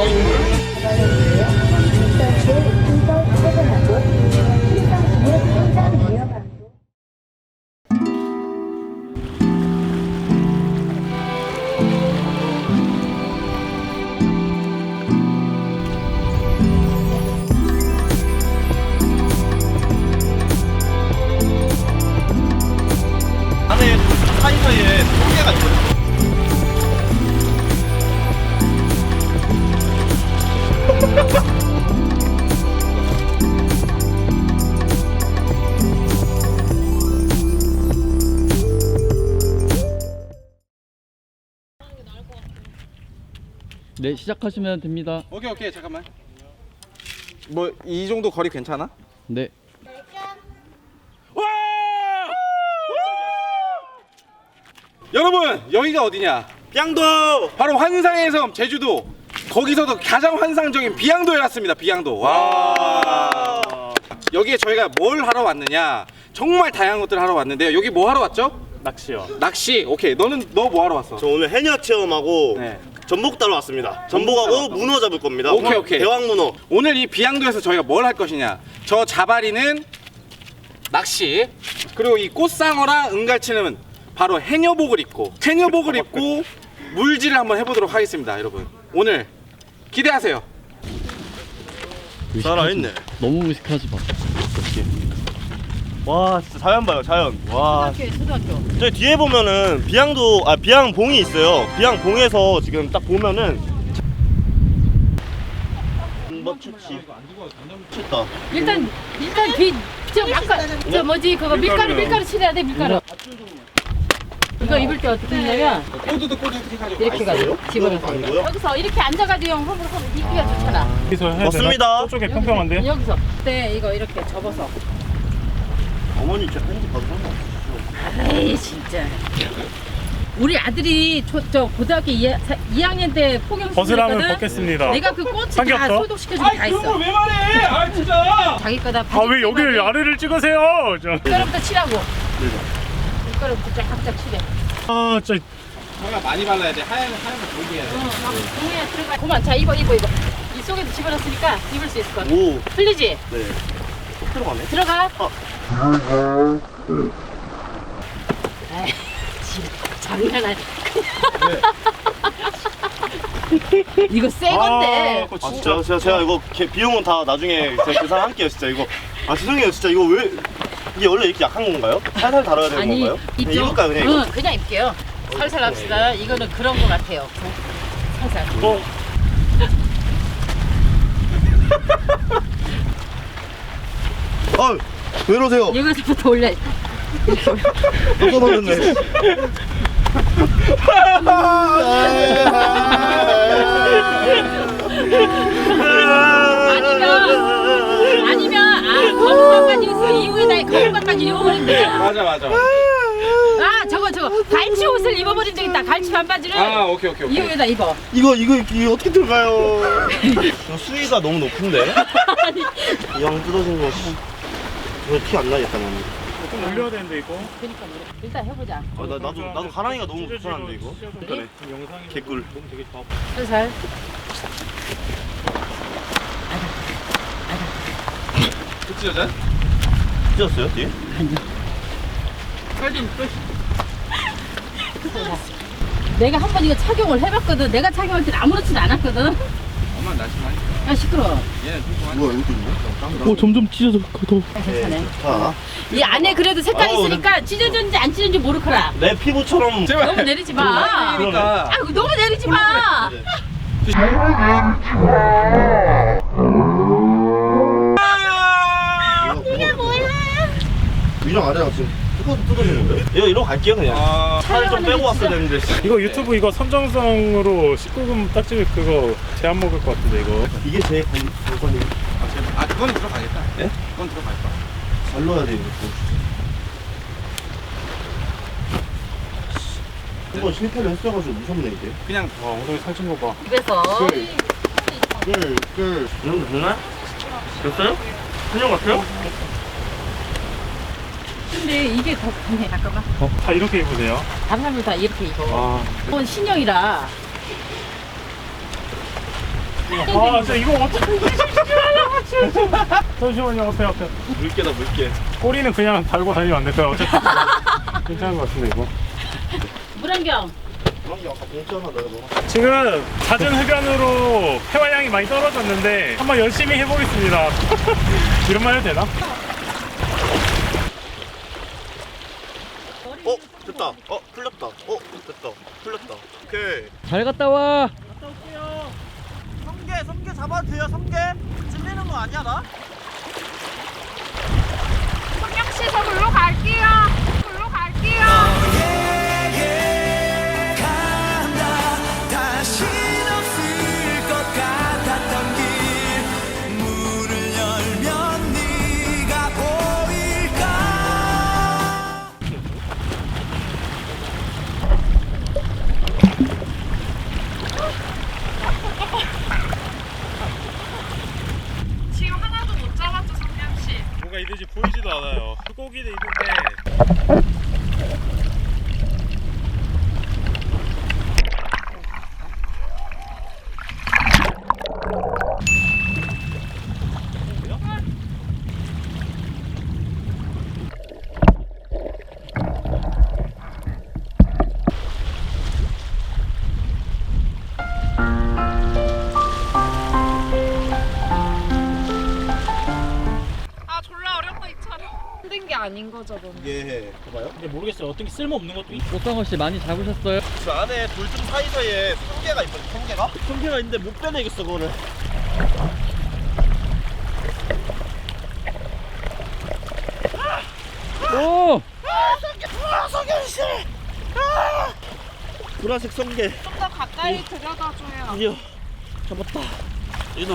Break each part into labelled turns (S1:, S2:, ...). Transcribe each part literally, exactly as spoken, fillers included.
S1: 안에 사이사이에 통계가 있거든요.
S2: 네, 시작하시면 됩니다.
S1: 오케이 오케이 잠깐만. 뭐 이 정도 거리 괜찮아?
S2: 네.
S1: 와! 여러분 여기가 어디냐? 비양도. 바로 환상의 섬 제주도. 거기서도 가장 환상적인 비양도에 왔습니다. 비양도. 와. 여기에 저희가 뭘 하러 왔느냐? 정말 다양한 것들을 하러 왔는데요. 여기 뭐 하러 왔죠?
S3: 낚시요.
S1: 낚시. 오케이. 너는 너 뭐 하러 왔어?
S3: 저 오늘 해녀 체험하고
S1: 네.
S3: 전복 따러 왔습니다. 전복하고 문어 잡을 겁니다.
S1: 오케이, 오케이.
S3: 대왕 문어.
S1: 오늘 이 비양도에서 저희가 뭘 할 것이냐? 저 자바리는 낚시, 그리고 이 꽃상어랑 은갈치는 바로 해녀복을 입고 해녀복을 입고 물질을 한번 해보도록 하겠습니다, 여러분. 오늘 기대하세요.
S3: 살아있네.
S2: 너무 무식하지 마.
S3: 와 진짜 자연 봐요 자연. 와.
S4: 초등학교에 초등학교.
S3: 저기 뒤에 보면은 비양도 아 비양봉이 있어요. 비양봉에서 지금 딱 보면은. 한번 채치. 쳤다.
S4: 일단 일단 빛저 막가 저 뭐지 그거 밀가루 밀가루 칠해야 돼 밀가루. 이거 입을 때 어떻게 했냐면
S1: 꼬두도 꼬두도 해가지고
S4: 이렇게 가지고 집어넣어서
S3: 이거요?
S4: 여기서 이렇게 앉아가지고 형 홈으로 하면 입기가 좋잖아.
S5: 여기서 해야
S3: 맞습니다.
S5: 되나? 저쪽에 평평한데?
S4: 여기서 네 이거 이렇게 접어서.
S3: 어머니 진짜 편지 봐도 상관없어.
S4: 에이 진짜. 우리 아들이 초, 저 고등학교 이 학년 때 폭염
S5: 벗으라면
S4: 수술했거든.
S5: 벗겠습니다.
S4: 내가 그 꽃을 다
S5: 삼겹살?
S4: 소독시켜주고 다 있어.
S1: 왜 말해? 아 진짜.
S4: 자기 거다.
S5: 아 왜 여기를 아래를 찍으세요? 저.
S4: 밀가루부터 칠하고. 밀가루부터 쫙쫙 칠해.
S5: 아 진짜
S1: 저희가 많이 발라야 돼. 하얀 하얀 거 보이게 해야 돼.
S4: 응, 막 동해에 들어가. 그만, 자 입어 입어 입어. 이 속에도 집어넣었으니까 입을 수 있을 것 같아.
S3: 오.
S4: 풀리지?
S3: 네. 쏙 들어가네.
S4: 들어가.
S3: 어.
S4: 에이, 지금 장난 아니야. 이거 새 건데.
S5: 아,
S3: 아 진짜 제가, 제가 이거 개- 비용은 다 나중에 제가 계산할게요 진짜 이거. 아 죄송해요 진짜 이거 왜 이게 원래 이렇게 약한 건가요? 살살 다뤄야 되는
S4: 아니
S3: 건가요? 그냥
S4: 입죠?
S3: 입을까요 그냥
S4: 응,
S3: 이거?
S4: 그냥 입게요. 살살 합시다. 이거는 그런 거 같아요. 살살.
S3: 어. 아, 왜 이러세요?
S4: 여기서부터 올려.
S3: 깜짝 놀랐네.
S4: 아니면 아니면 아 거북밥까지 있어 이후에 나 거북밥까지 입어버리면 되잖아.
S1: 맞아 맞아.
S4: 아 저거 저거 갈치 옷을 입어버리면 되겠다. 갈치 반바지를
S1: 아 오케이 오케이 오케이.
S4: 이후에다 입어.
S3: 이거 이거 이거 어떻게 들어가요? 이거 수위가 너무 높은데? 이왕 뜯어진 거 이거 티 안 나겠다 나는.
S5: 좀 올려야 되는데 이거.
S4: 그러니까 일단 해보자.
S3: 아, 나 나도 나도 가랑이가 너무 불편한데 이거. 그래.
S5: 영상이
S3: 개꿀.
S5: 너무 되게 좋아.
S4: 살살.
S1: 그치 여자?
S3: 찢었어요 뒤에?
S4: 내가 한 번 이거 착용을 해봤거든. 내가 착용할 때 아무렇지도 않았거든.
S1: 엄마 날씨만.
S4: 야 시끄러.
S1: 얘는 뚱뚱한.
S3: 뭐야 이것도 있네?
S2: 오 점점 찢어져. 더.
S4: 괜찮네.
S3: 자,
S4: 이 안에 그래도 색깔
S3: 아우,
S4: 있으니까 찢어졌는지 안 찢어졌는지 모르거라.
S3: 내 피부처럼
S1: 제발.
S4: 너무 내리지 마.
S1: 그러니까.
S4: 아 너무 내리지 마.
S3: 이게 뭐야? 위랑 아래랑 지금 똑같이 뜯어지는데? 이거 이러고 갈게요 그냥.
S1: 아.
S3: 살을 좀 빼고 왔어야 되는데.
S5: 이거 유튜브 이거 선정성으로 십구 금 딱지 그거 제안 먹을 것 같은데 이거.
S3: 이게 제 관건이.
S1: 아, 제발. 아 그건 들어가겠다.
S3: 예?
S1: 그건 들어갈 거야.
S3: 잘 넣어야 돼 이거. 한번 실패를 했어가지고 무섭네 이게.
S1: 그냥
S5: 와 엉덩이 살찐 거 봐.
S4: 입에서
S3: 끌, 끌. 이 정도 되나? 됐어요? 그냥 같아요?
S4: 근데 이게 더 강해. 잠깐만.
S5: 어, 다 이렇게 입으세요?
S4: 다른 사람들 다 이렇게 입어.
S5: 아
S4: 이건 신형이라.
S5: 아 진짜 이거 어떻게 잠시만요 앞에 앞에
S3: 물개다 물개.
S5: 꼬리는 그냥 달고 다니면 안 될까요? 어차피 괜찮은 것 같은데 이거
S4: 물안경.
S3: 그럼 아까 봉투 하나 넣어봐.
S5: 지금 잦은 흡연으로 폐활량이 많이 떨어졌는데 한번 열심히 해보겠습니다. 이런 말 해도 되나?
S3: 어 됐다. 어 풀렸다. 어 됐다. 풀렸다. 오케이.
S2: 잘 갔다 와.
S3: 갔다 올게요. 성게 성게 잡아도 돼요. 성게 찔리는 거 아니야 나?
S6: 성경씨 저 글로 갈게요. 글로 갈게요. 지금 하나도 못 잡았죠, 성경씨?
S5: 뭐가 있는지 보이지도 않아요. 물고기는 있는데
S6: 아 졸라 어렵다 이 촬영. 힘든 게 아닌 거죠, 너는?
S3: 예. 봐봐요.
S5: 근데 모르겠어요. 어떤 게 쓸모없는 것도 있
S2: 꽃상어 씨 많이 잡으셨어요?
S3: 그 안에 돌좀 사이사이에 성게가 있거든. 성게가? 성게가 있는데 못 빼내겠어 그거를.
S2: 오!
S3: 보라색 성게.
S6: 좀 더 가까이 들여다줘요.
S3: 드디어 잡았다. 이놈.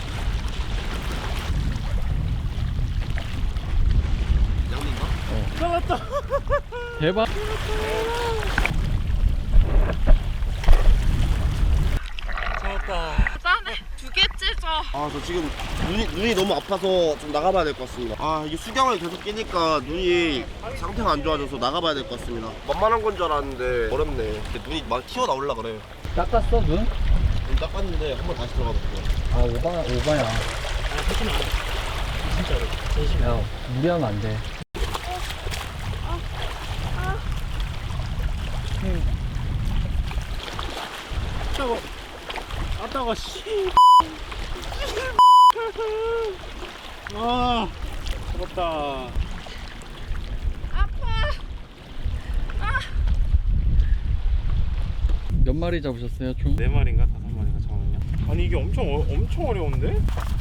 S3: 양인가?
S2: 대박.
S6: 대단해. 두 개째죠.
S3: 아 저 지금 눈이 눈이 너무 아파서 좀 나가봐야 될 것 같습니다. 아 이게 수경을 계속 끼니까 눈이 상태가 안 좋아져서 나가봐야 될 것 같습니다. 만만한 건 줄 알았는데 어렵네. 이렇게 눈이 막 튀어 나올라 그래.
S2: 닦았어 눈?
S3: 눈 닦았는데 한번 다시 들어가 볼게요.
S2: 아 오바 오바야. 야 무리하면 안 돼.
S5: 아따가 아따가 씨. 아 잡았다.
S2: 몇 마리 잡으셨어요 총?
S5: 네 마리인가 다섯 마리인가 잠깐만요. 아니 이게 엄청 어, 엄청 어려운데?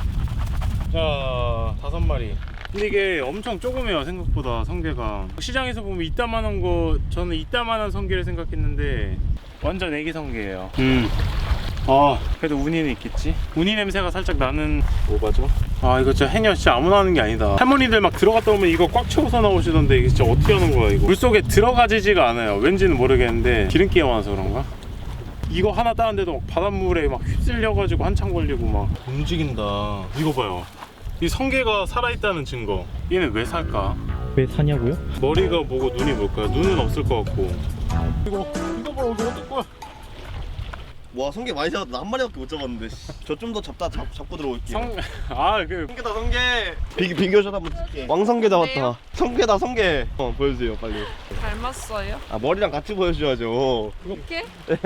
S5: 자 다섯 마리. 근데 이게 엄청 조그매요 생각보다 성게가. 시장에서 보면 이따만한 거 저는 이따만한 성게를 생각했는데 완전 애기 성게예요. 음. 아 그래도 우니는 있겠지. 우니 냄새가 살짝 나는 오바죠. 아 이거 진짜 해녀 진짜 아무나 하는 게 아니다. 할머니들 막 들어갔다 오면 이거 꽉 채워서 나오시던데 이게 진짜 어떻게 하는 거야 이거. 물속에 들어가지지가 않아요. 왠지는 모르겠는데 기름기가 많아서 그런가? 이거 하나 따는데도 막 바닷물에 막 휩쓸려가지고 한참 걸리고 막 움직인다. 이거 봐요. 이 성게가 살아있다는 증거. 얘는 왜 살까?
S7: 왜 사냐고요?
S5: 머리가 뭐고 눈이 뭘까요? 눈은 없을 것 같고. 이거 이거 봐 이거 어떨 거야?
S3: 와 성게 많이 잡았다. 나 한 마리밖에 못 잡았는데. 저 좀 더 잡다 잡, 잡고 들어올게요.
S5: 성... 아그
S3: 성게다 성게. 비, 비교샷 한번 찍게. 왕성게 잡았다.
S6: 네요?
S3: 성게다 성게. 어 보여주세요 빨리.
S6: 닮았어요?
S3: 아 머리랑 같이 보여줘야죠.
S6: 이렇게?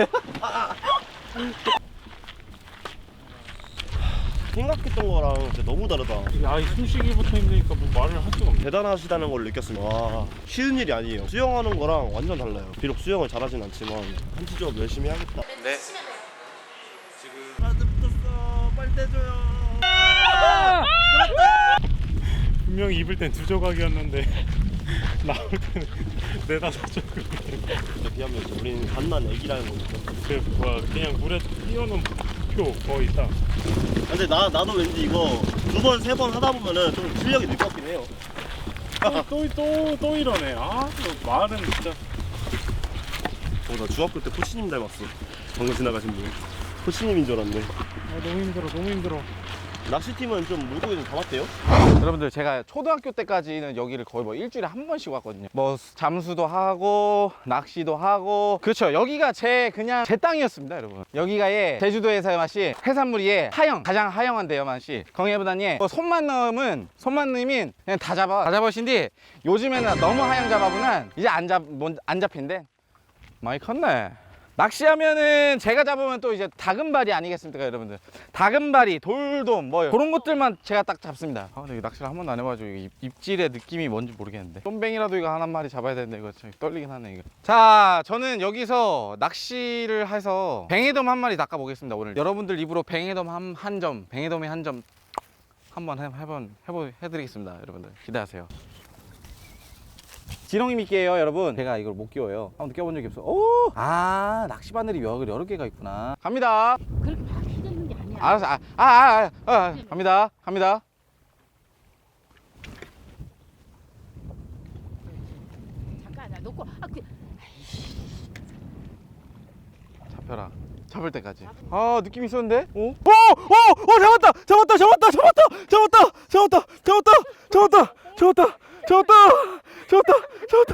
S3: 생각했던 거랑 진짜 너무 다르다.
S5: 야이 숨쉬기부터 힘드니까 뭐 말을 할 수가 없네.
S3: 대단하시다는 걸 느꼈습니다. 와, 쉬운 일이 아니에요. 수영하는 거랑 완전 달라요. 비록 수영을 잘하진 않지만 한치조업 열심히 하겠다. 네. 지금 하나 붙었어. 빨리 떼줘요.
S5: 분명히 입을 땐 두 조각이었는데 나올 때는 네다섯 조각.
S3: 진짜 비하면 우리는 갓난 애기라는 거니까.
S5: 그 뭐야 그냥 물에 뛰어놓은 표 거의 다.
S3: 근데 나 나도 왠지 이거 두 번 세 번 하다 보면은 좀 실력이 늘 것 같긴 해요.
S5: 또또또 또 이러네. 아또 말은 진짜.
S3: 어, 나 중학교 때 코치님 닮았어. 방금 지나가신 분. 코치님인 줄 알았네.
S5: 아 너무 힘들어 너무 힘들어.
S3: 낚시팀은 좀 물고기 좀 잡았대요?
S1: 여러분들 제가 초등학교 때까지는 여기를 거의 뭐 일주일에 한 번씩 왔거든요. 뭐 잠수도 하고 낚시도 하고 그렇죠. 여기가 제 그냥 제 땅이었습니다, 여러분. 여기가 예 제주도에서의 맛이 해산물이 예 하영 가장 하영한데요, 맛이. 거기보다는 뭐 손만 넣으면 손만 넣으면 그냥 다 잡아 다 잡으신데 요즘에는 너무 하영 잡아보면 이제 안 잡 안 잡힌대. 많이 컸네. 낚시하면은 제가 잡으면 또 이제 다금바리 아니겠습니까, 여러분들? 다금바리, 돌돔 뭐 그런 것들만 제가 딱 잡습니다. 아, 근데 이거 낚시를 한 번도 안 해가지고 입, 입질의 느낌이 뭔지 모르겠는데 쏨뱅이라도 이거 한 마리 잡아야 되는데 이거 참 떨리긴 하네 이거. 자, 저는 여기서 낚시를 해서 뱅에돔 한 마리 낚아 보겠습니다. 오늘 여러분들 입으로 뱅에돔 한, 한 점, 뱅에돔이 한 점 한번 해, 해본 해보 해드리겠습니다, 여러분들 기대하세요. 지렁이 미끼예요, 여러분. 제가 이걸 못 끼워요. 한 번도 껴본 적이 없어. 오! 아, 낚시 바늘이 여러, 여러 개가 있구나. 갑니다.
S4: 그렇게 막 휘젓는 게 아니야.
S1: 알았어. 아, 아, 아, 아, 아. 갑니다. 갑니다.
S4: 잠깐 나 놓고 아 그.
S1: 잡혀라. 잡을 때까지. 아, 느낌 있었는데? 오? 오! 오! 오! 잡았다! 잡았다! 잡았다! 잡았다! 잡았다! 잡았다! 잡았다! 잡았다! 잡았다! 잡았다! 잡았다! 잡았다!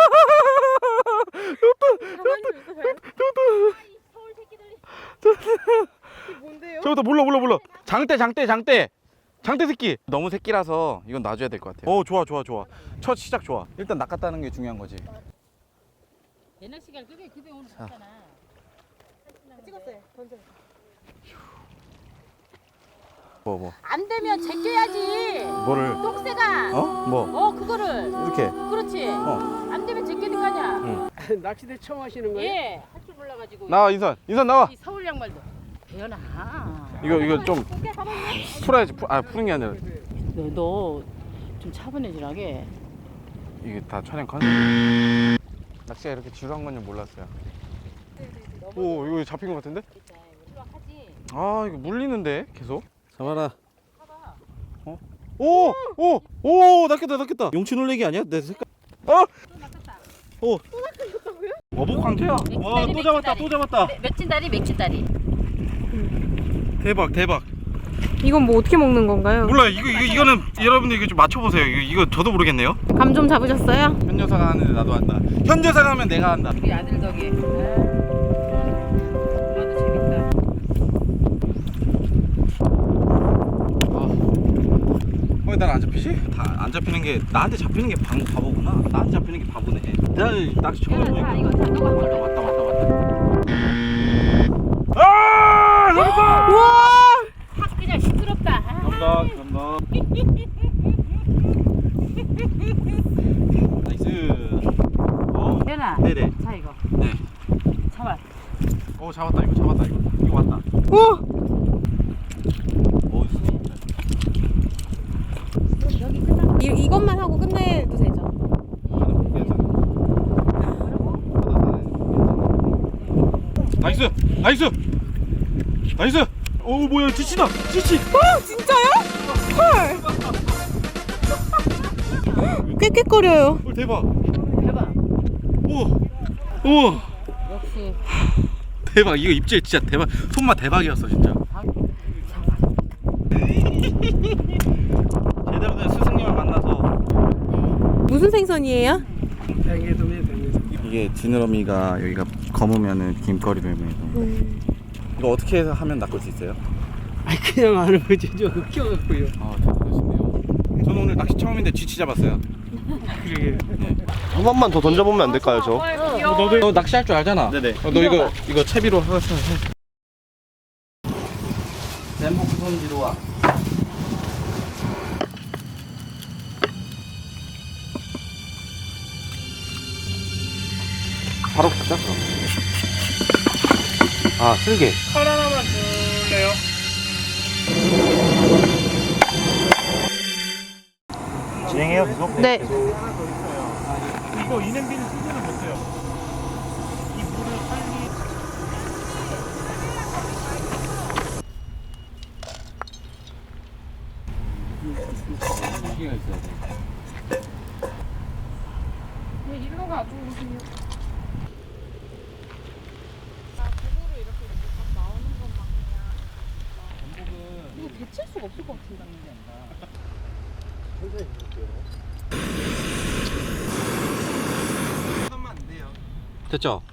S4: 서울 새끼들이.
S1: 저부터 몰라 몰라 몰라. 장대 장대 장대 장대 새끼. 너무 새끼라서 이건 놔줘야 될 것 같아요. 어 좋아 좋아 좋아. 첫 시작 좋아. 일단 낚았다는 게 중요한 거지.
S4: 옛날 시간 그게 그게 오늘 봤잖아. 찍었어요. 던져.
S1: 뭐 뭐.
S4: 안 되면 제껴야지.
S1: 뭐를?
S4: 똥새가.
S1: 어? 뭐?
S4: 어 그거를.
S1: 이렇게.
S4: 그렇지.
S1: 어.
S4: 안 되면 제껴야 거 아니야.
S7: 낚시대 처음 하시는 거예요?
S4: 예. 할 줄 몰라가지고.
S1: 나와 인선. 인선 나와.
S4: 이 서울 양말도. 배연아.
S1: 이거 이거 좀 풀어야지. 풀, 아 푸는 게 아니라
S4: 너좀 차분해지라게.
S1: 이게 다 촬영 컨. 낚시가 이렇게 지루한 건지 몰랐어요. 오 이거 잡힌 것 같은데? 아 이거 물리는데 계속. 잡아라. 어? 오! 오! 오! 낚였다 낚였다. 용치 놀래기 아니야? 내 색깔. 어? 오. 또 낚였다고요? 어복 황태야. 와 또 잡았다 또 잡았다.
S4: 맥진다리 맥진다리.
S1: 대박 대박.
S6: 이건 뭐 어떻게 먹는 건가요?
S1: 몰라요. 이거 이거 이거는 여러분들 이거 좀 맞춰보세요. 이거 이거 저도 모르겠네요.
S6: 감 좀 잡으셨어요?
S1: 현 여사가 하는데 나도 한다. 현 여사가 하면 내가 한다.
S4: 우리 아들 덕에. 나도 재밌다.
S1: 왜 난 안 잡히지? 다 안 잡히는 게 나한테 잡히는 게 방, 바보구나. 나한테 잡히는 게 바보네. 날 낚시 처음
S4: 자,
S1: 해보니까.
S4: 이거 자, 너가 걸려.
S1: 왔다 왔다 왔다. 아! 잡았다!
S4: 확 그냥 시끄럽다. 아.
S1: 감사합니다. 감사합니다. 나이스. 어.
S4: 배연아.
S1: 네네.
S4: 자 이거.
S1: 네.
S4: 잡아.
S1: 오 잡았다 이거 잡았다 이거. 이거 왔다. 오! 오 진짜.
S4: 여기 끝나.
S6: 이, 이것만 하고 끝내도 되죠?
S1: 나이스! 나이스! 나이스! 오 뭐야 지치다! 지치!
S6: 어 진짜요? 헐 꽥꽥거려요.
S1: 오 대박!
S4: 대박.
S1: 오! 오!
S4: 역시.
S1: 대박 이거 입질 진짜 대박 손맛 대박이었어 진짜. 제대로 된 스승님을 만나서.
S6: 무슨 생선이에요?
S7: 뱅에돔이에요, 뱅에돔.
S1: 이게 지느러미가 여기가 검으면은 김거리 되면
S6: 음.
S1: 이거 어떻게 해서 하면 낚을 수 있어요?
S7: 아 그냥 하는 거지. 저 웃겨갖고요.
S1: 아 잘하시네요. 저는 오늘 낚시 처음인데 쥐치 잡았어요.
S7: 그러게.
S3: 한 번만 더 던져보면 안 될까요, 저?
S6: 어, 귀여워.
S1: 너도 너 낚시할 줄 알잖아.
S3: 네네.
S1: 어, 너 이거 이거 채비로 해서 해. 램보 구성지로 와. 바로 붙자 그럼. 아 쓸개.
S5: 칼 하나만 줄래요?
S3: 진행해요, 계속?
S6: 네.
S5: 이거 이 냄비는 손질을 못해요. 이 물을 빨리.
S1: 쓸개가 있어야 돼.
S6: 왜 일로 가도 오세요?
S4: 칠 수가 없을 것 같은데.
S1: 됐죠?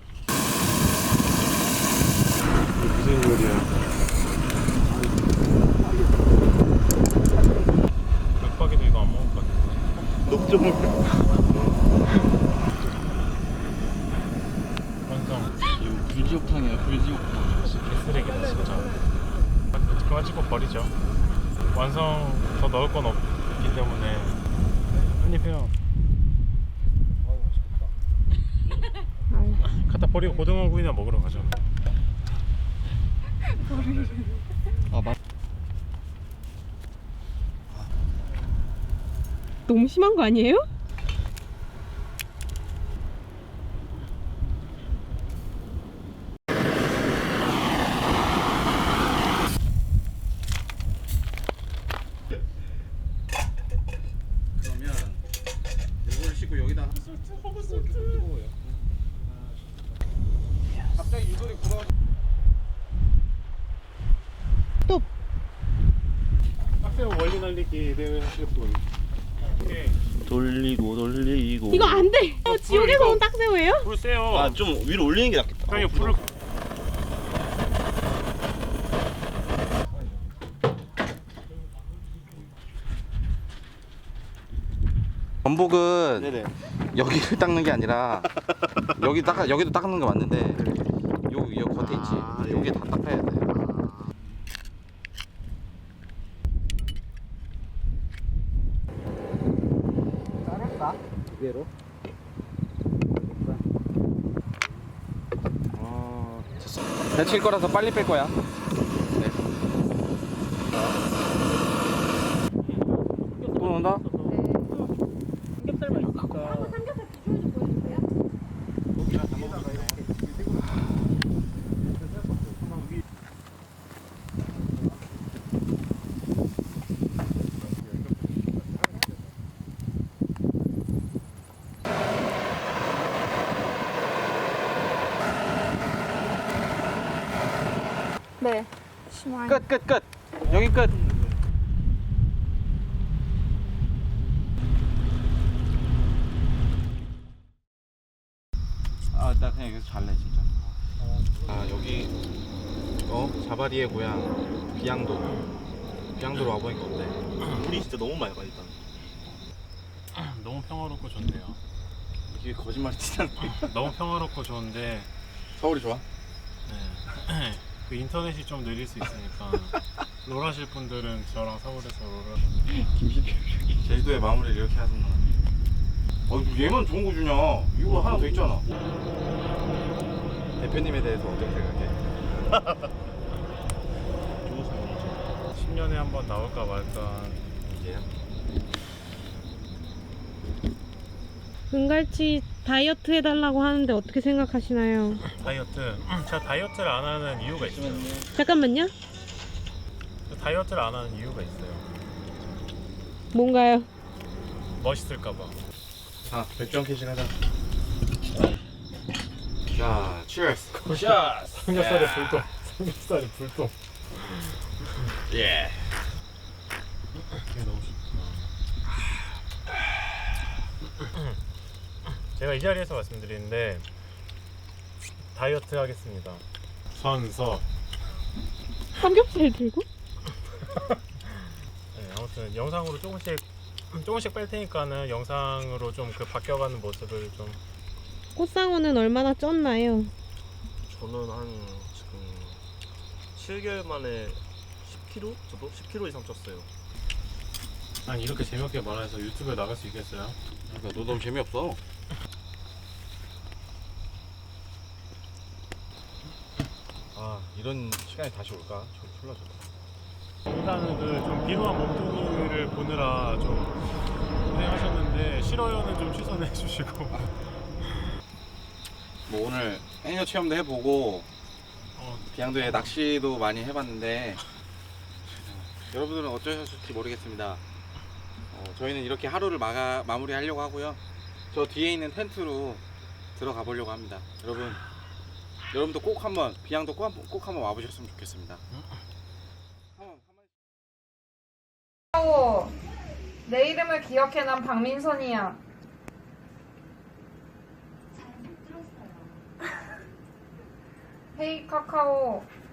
S5: 무슨 요리야? 맥박이도 이거 안 먹을 것 같은데.
S3: 너무 좀
S5: 완성.
S2: 이거 불지옥탕이에요, 불지옥탕.
S5: 개쓰레기다 진짜. 그만 찍고 버리죠. 완성 더 넣을 건 없기 때문에 한입 해요. 갖다 버리고 고등어 구이나 먹으러 가죠.
S2: 아, 맞.
S6: 너무 심한 거 아니에요?
S1: 그러면 이걸 씻고 여기다 갑자기 유돌이 굴어.
S5: 학생 원리 날리기 대회 하실 분. 오케이.
S3: 돌리고 돌리고.
S6: 이거 안 돼. 어, 지옥에서
S5: 이거-
S6: 온 딱새우예요?
S5: 불 세요.
S3: 아 좀 위로 올리는 게 낫겠다.
S5: 형이 불을
S1: 전복은
S3: 네네.
S1: 여기를 닦는 게 아니라 여기 닦아 여기도 닦는 거 맞는데 요, 요 겉에 있지.
S3: 아, 예.
S1: 여기 다 닦아야 돼.
S2: 위로.
S1: 데칠 거라서 빨리 뺄 거야. 네. 또 넣는다?
S7: 삼겹살만 있으니까.
S6: 네. 심한.
S1: 끝, 끝, 끝. 여기 끝. 아, 나 그냥 여기서 잘래 진짜. 아, 여기 어 자바리의 고향 비양도. 비양도로 와보니까 어때?
S3: 물이 진짜 너무 많이 가 일단.
S5: 너무 평화롭고 좋네요.
S1: 이게 거짓말 치잖아.
S5: 너무 평화롭고 좋은데
S1: 서울이 좋아?
S5: 네. 그 인터넷이 좀 느릴 수 있으니까 롤하실 분들은 저랑 서울에서 롤을
S1: 제주도의 마무리를 이렇게 하셨나? 어, 얘만 좋은 거 주냐? 이거 하나 더 있잖아. 대표님에 대해서 어떻게 생각해?
S5: 십 년에 한 번 나올까 말까.
S1: 이제야?
S6: 은갈치 다이어트 해달라고 하는데 어떻게 생각하시나요?
S5: 다이어트. 제가 다이어트를 안 하는 이유가 있어요.
S6: 잠깐만요.
S5: 다이어트를 안 하는 이유가 있어요.
S6: 뭔가요?
S5: 멋있을까봐.
S1: 자, 맥주 한 캔씩 하자. 자, cheers. 샷.
S5: 삼겹살에 불똥. 삼겹살에 불똥.
S1: 예.
S5: 이게 너무 좋다. 제가 이 자리에서 말씀드리는데 다이어트 하겠습니다. 선서.
S6: 삼겹살 들고?
S5: 네, 아무튼 영상으로 조금씩 조금씩 뺄 테니까는 영상으로 좀 그 바뀌어가는 모습을 좀.
S6: 꽃상어는 얼마나 쪘나요?
S3: 저는 한 지금 칠 개월 만에 십 킬로그램? 저도 십 킬로그램 이상 쪘어요.
S5: 아니 이렇게 재미없게 말해서 유튜브에 나갈 수 있겠어요?
S1: 그러니까 너 너무 재미없어. 아, 이런 시간이 다시 올까? 저 졸라 좋다.
S5: 일단은 그 좀 비루한 몸뚱이를 보느라 좀 고생하셨는데 싫어요는 좀 취소해 주시고.
S1: 뭐 오늘 해녀 체험도 해보고
S5: 어,
S1: 비양도에 낚시도 많이 해봤는데 여러분들은 어쩌셨을지 모르겠습니다. 어, 저희는 이렇게 하루를 마가, 마무리하려고 하고요. 저 뒤에 있는 텐트로 들어가 보려고 합니다. 여러분, 여러분도 꼭 한번 비양도 꼭, 한번- 꼭 한번 와보셨으면 좋겠습니다.
S8: 내 이름을 기억해 난 박민선이야. 헤이 카카오